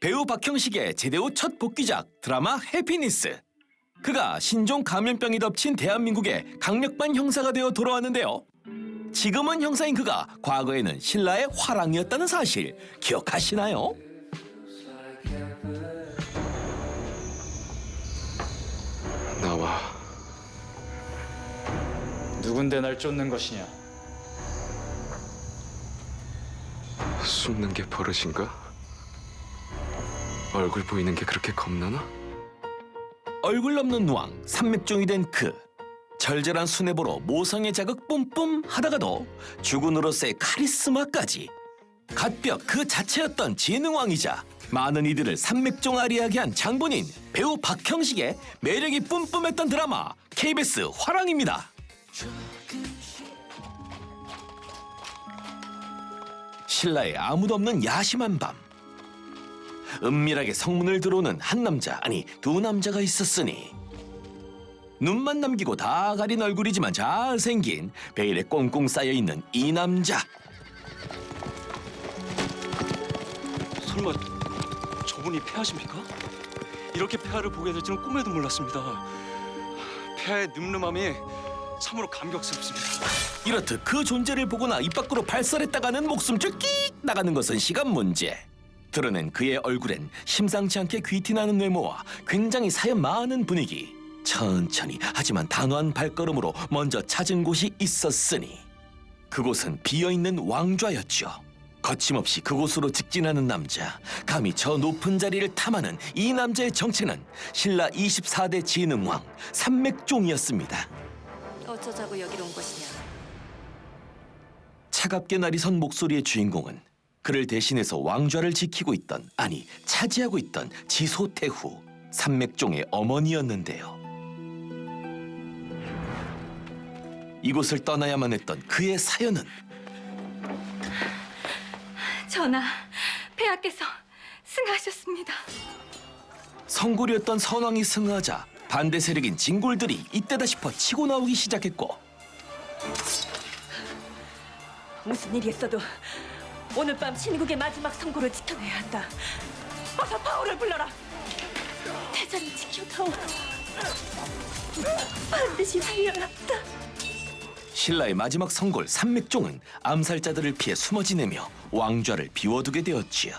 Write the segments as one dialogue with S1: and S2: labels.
S1: 배우 박형식의 제대 후 첫 복귀작 드라마 해피니스. 그가 신종 감염병이 덮친 대한민국의 강력반 형사가 되어 돌아왔는데요. 지금은 형사인 그가 과거에는 신라의 화랑이었다는 사실 기억하시나요?
S2: 나와.
S3: 누군데 날 쫓는 것이냐?
S2: 숨는 게 버릇인가? 얼굴 보이는 게 그렇게 겁나나?
S1: 얼굴 없는 왕, 산맥종이 된 그. 절절한 수뇌보로 모성의 자극 뿜뿜 하다가도 주군으로서의 카리스마까지. 갓벽 그 자체였던 지능왕이자 많은 이들을 산맥종 아리하게 한 장본인 배우 박형식의 매력이 뿜뿜했던 드라마 KBS 화랑입니다. 신라에 아무도 없는 야심한 밤. 은밀하게 성문을 들어오는 한 남자, 아니 두 남자가 있었으니 눈만 남기고 다 가린 얼굴이지만 잘생긴 베일에 꽁꽁 쌓여있는 이 남자.
S4: 설마 저분이 폐하십니까? 이렇게 폐하를 보게 될 줄은 꿈에도 몰랐습니다. 폐하의 늠름함이 참으로 감격스럽습니다.
S1: 이렇듯 그 존재를 보거나 입 밖으로 발설했다가는 목숨줄 끽 나가는 것은 시간 문제. 드러낸 그의 얼굴엔 심상치 않게 귀티나는 외모와 굉장히 사연 많은 분위기. 천천히 하지만 단호한 발걸음으로 먼저 찾은 곳이 있었으니 그곳은 비어있는 왕좌였죠. 거침없이 그곳으로 직진하는 남자, 감히 저 높은 자리를 탐하는 이 남자의 정체는 신라 24대 지능왕 산맥종이었습니다.
S5: 어쩌자고 여기로 온 것이냐?
S1: 차갑게 날이 선 목소리의 주인공은 그를 대신해서 왕좌를 지키고 있던, 아니 차지하고 있던 지소태후 산맥종의 어머니였는데요. 이곳을 떠나야만 했던 그의 사연은
S5: 전하, 폐하께서 승하하셨습니다.
S1: 성골이었던 선왕이 승하하자 반대 세력인 진골들이 이때다 싶어 치고 나오기 시작했고,
S5: 무슨 일이 있어도 오늘 밤 신국의 마지막 선고를 지켜내야 한다. 어서 파오를 불러라. 대자를 지켜다오. 반드시 살려야 한다.
S1: 신라의 마지막 성골 산맥종은 암살자들을 피해 숨어 지내며 왕좌를 비워두게 되었지요.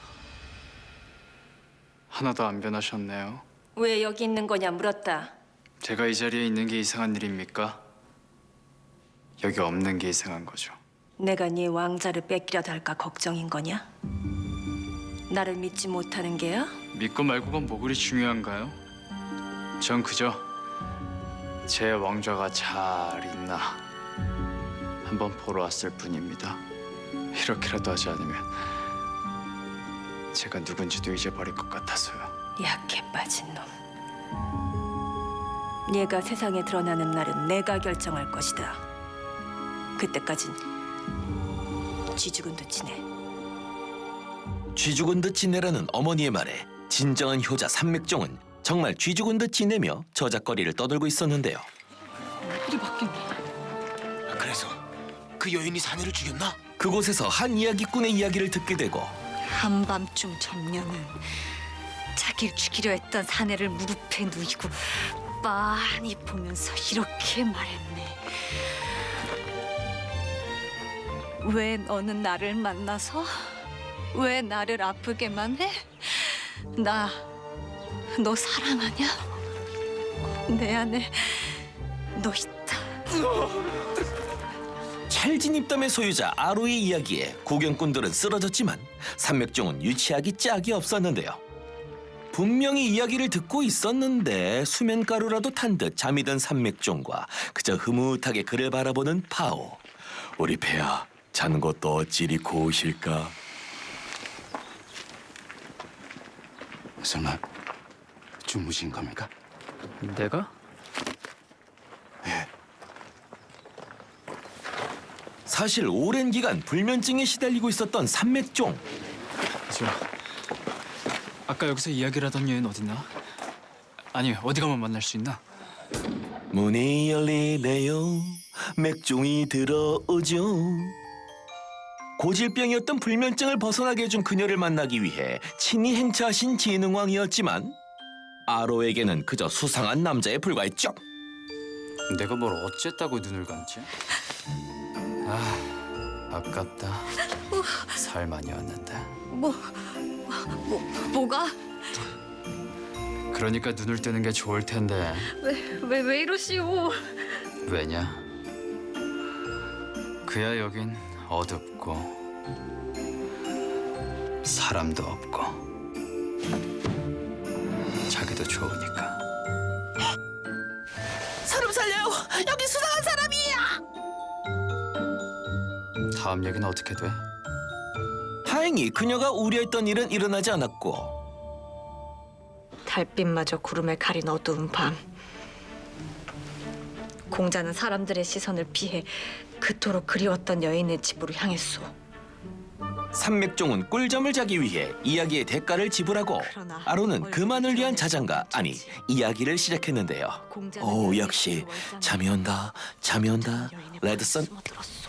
S3: 하나도 안 변하셨네요.
S5: 왜 여기 있는 거냐 물었다.
S3: 제가 이 자리에 있는 게 이상한 일입니까? 여기 없는 게 이상한 거죠.
S5: 내가 네 왕자를 뺏기려다 할까 걱정인 거냐? 나를 믿지 못하는 게야?
S3: 믿고 말고가 뭐 그리 중요한가요? 전 그저 제 왕좌가 잘 있나 한번 보러 왔을 뿐입니다. 이렇게라도 하지 않으면 제가 누군지도 잊어버릴 것 같아서요.
S5: 약해 빠진 놈. 네가 세상에 드러나는 날은 내가 결정할 것이다. 그때까진 쥐 죽은 듯 지내.
S1: 쥐 죽은 듯 지내라는 어머니의 말에 진정한 효자 산맥종은 정말 쥐 죽은 듯 지내며 저작거리를 떠들고 있었는데요.
S5: 일이 바뀌네.
S6: 그래서 그 여인이 사내를 죽였나?
S1: 그곳에서 한 이야기꾼의 이야기를 듣게 되고
S7: 한밤중 점령은 자기를 죽이려 했던 사내를 무릎에 누이고 빤히 보면서 이렇게 말했네. 왜 너는 나를 만나서 왜 나를 아프게만 해? 나 너 사랑하냐? 내 안에 너 있다.
S1: 찰진입담의 소유자 아로의 이야기에 구경꾼들은 쓰러졌지만 산맥종은 유치하기 짝이 없었는데요. 분명히 이야기를 듣고 있었는데 수면가루라도 탄 듯 잠이 든 산맥종과 그저 흐뭇하게 그를 바라보는 파오. 우리 폐하 자는 것도 어찌리 고우실까?
S6: 설마 주무신 겁니까?
S3: 내가?
S6: 예.
S1: 사실 오랜 기간 불면증에 시달리고 있었던 산맥종.
S3: 저 아까 여기서 이야기를 하던 여인 어딨나? 아니 어디 가면 만날 수 있나?
S1: 문이 열리네요. 맥종이 들어오죠. 고질병이었던 불면증을 벗어나게 해준 그녀를 만나기 위해 친히 행차하신 진흥왕이었지만 아로에게는 그저 수상한 남자에 불과했죠.
S3: 내가 뭘 어쨌다고 눈을 감지? 아깝다. 살 많이 왔는데.
S7: 뭐가?
S3: 그러니까 눈을 뜨는 게 좋을 텐데.
S7: 왜 이러시오?
S3: 왜냐? 그야 여긴 어둡고 사람도 없고 자기도 좋으니까.
S1: 사람 살려요! 여기 수상한 사람이야!
S3: 다음 얘기는 어떻게 돼?
S1: 다행히 그녀가 우려했던 일은 일어나지 않았고
S5: 달빛마저 구름에 가린 어두운 밤. 공자는 사람들의 시선을 피해 그토록 그리웠던 여인의 집으로 향했소.
S1: 산맥종은 꿀잠을 자기 위해 이야기의 대가를 지불하고
S5: 그러나
S1: 아로는 그만을 위한
S5: 얼굴이
S1: 자장가 아니 이야기를 시작했는데요.
S5: 공자는
S1: 오
S5: 여인의
S1: 역시
S5: 집으로 월장을
S1: 잠이 온다 잠이 온다
S5: 여인의
S1: 레드선.
S5: 방에 숨어들었소.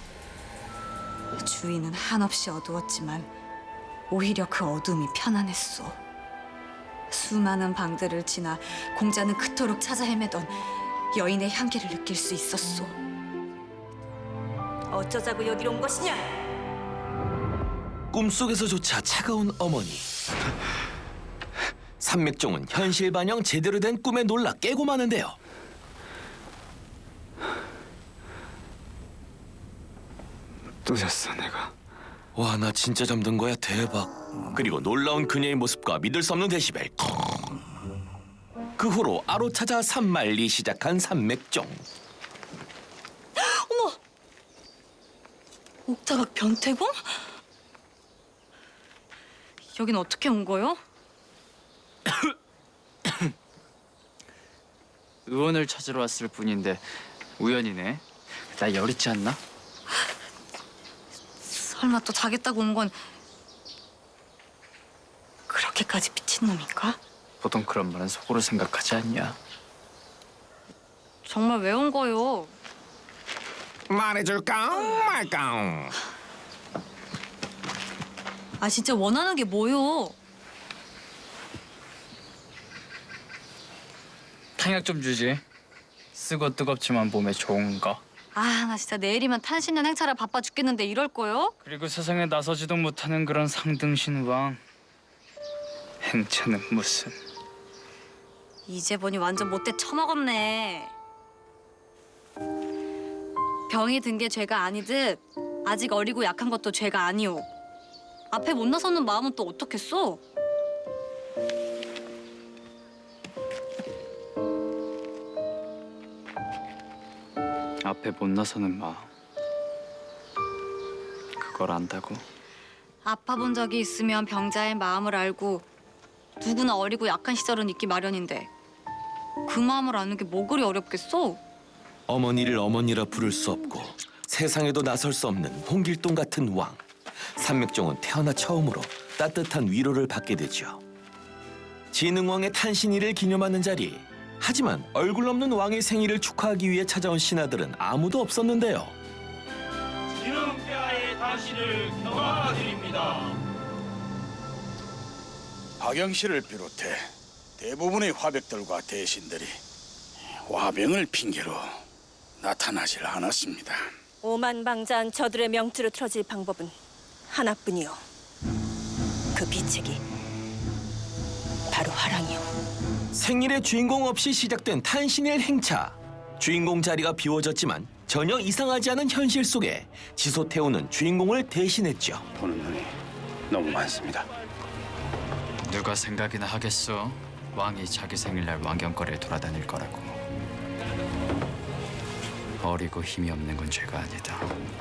S7: 주위는 한없이 어두웠지만 오히려 그 어둠이 편안했소. 수많은 방들을 지나 공자는 그토록 찾아 헤매던 여인의 향기를 느낄 수 있었소.
S5: 어쩌자고 여기로 온 것이냐?
S1: 꿈속에서조차 차가운 어머니. 산맥종은 현실 반영 제대로 된 꿈에 놀라 깨고 마는데요.
S2: 또 잤어 내가.
S1: 와, 나 진짜 잠든 거야. 대박. 그리고 놀라운 그녀의 모습과 믿을 수 없는 데시벨. 그 후로 아로 찾아 산말리 시작한 산맥종.
S7: 옥자각 변태공? 여긴 어떻게 온 거요?
S3: 의원을 찾으러 왔을 뿐인데 우연이네. 나 열 있지 않나?
S7: 설마 또 자겠다고 온 건 그렇게까지 미친놈인가?
S3: 보통 그런 말은 속으로 생각하지 않냐?
S7: 정말 왜 온 거요?
S1: 말해줄까 말까.
S7: 아 진짜 원하는 게 뭐요?
S3: 탕약 좀 주지. 쓰고 뜨겁지만 몸에 좋은 거.
S7: 아 나 진짜 내일이면 탄신년 행차라 바빠 죽겠는데 이럴 거요?
S3: 그리고 세상에 나서지도 못하는 그런 상등신 왕. 행차는 무슨.
S7: 이제 보니 완전 못돼 처먹었네. 병이 든 게 죄가 아니듯 아직 어리고 약한 것도 죄가 아니오. 앞에 못 나서는 마음은 또 어떻겠어?
S3: 앞에 못 나서는 마음. 그걸 안다고?
S7: 아파본 적이 있으면 병자의 마음을 알고 누구나 어리고 약한 시절은 있기 마련인데 그 마음을 아는 게 뭐 그리 어렵겠어?
S1: 어머니를 어머니라 부를 수 없고 세상에도 나설 수 없는 홍길동 같은 왕. 산맥종은 태어나 처음으로 따뜻한 위로를 받게 되죠. 진흥왕의 탄신일을 기념하는 자리. 하지만 얼굴 없는 왕의 생일을 축하하기 위해 찾아온 신하들은 아무도 없었는데요.
S8: 진흥폐하의 다시를 경화드립니다.
S6: 박영 씨를 비롯해 대부분의 화백들과 대신들이 화병을 핑계로 나타나질 않았습니다.
S5: 오만방자한 저들의 명주를 틀어질 방법은 하나뿐이요. 그 비책이 바로 화랑이요.
S1: 생일의 주인공 없이 시작된 탄신일 행차. 주인공 자리가 비워졌지만 전혀 이상하지 않은 현실 속에 지소태우는 주인공을 대신했죠.
S6: 보는 눈이 너무 많습니다.
S3: 누가 생각이나 하겠어? 왕이 자기 생일날 왕경거리를 돌아다닐 거라고. 어리고 힘이 없는 건 죄가 아니다.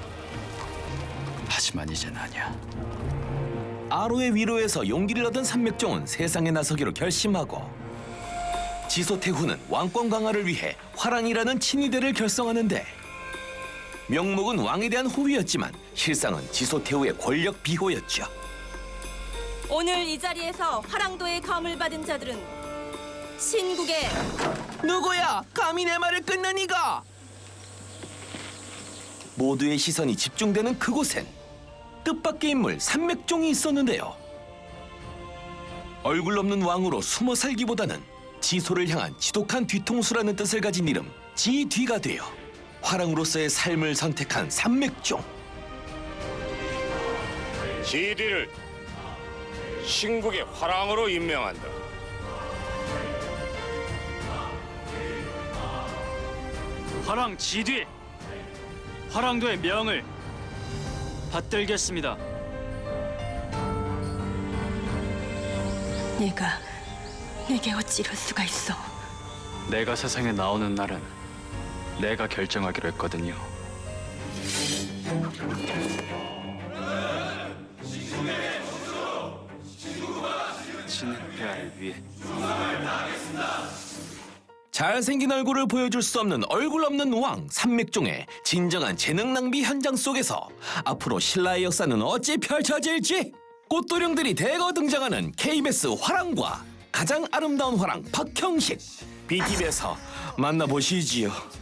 S3: 하지만 이젠 아니야.
S1: 아로의 위로에서 용기를 얻은 산맥종은 세상에 나서기로 결심하고 지소태후는 왕권 강화를 위해 화랑이라는 친위대를 결성하는데 명목은 왕에 대한 호위였지만 실상은 지소태후의 권력 비호였죠.
S5: 오늘 이 자리에서 화랑도의 검을 받은 자들은 신국의
S1: 누구야? 감히 내 말을 끊는 이가? 모두의 시선이 집중되는 그곳엔 뜻밖의 인물 삼맥종이 있었는데요. 얼굴 없는 왕으로 숨어 살기보다는 지소를 향한 지독한 뒤통수라는 뜻을 가진 이름 지뒤가 되어 화랑으로서의 삶을 선택한 삼맥종.
S9: 지디를 신국의 화랑으로 임명한다.
S3: 화랑 지뒤 화랑도의 명을 받들겠습니다.
S5: 내게 어찌 이럴 수가 있어?
S3: 내가 세상에 나오는 날은 내가 결정하기로 했거든요. 진행 폐하를 위해
S1: 잘생긴 얼굴을 보여줄 수 없는 얼굴 없는 왕 삼맥종의 진정한 재능 낭비 현장 속에서 앞으로 신라의 역사는 어찌 펼쳐질지 꽃도령들이 대거 등장하는 KBS 화랑과 가장 아름다운 화랑 박형식 BTV에서 만나보시지요.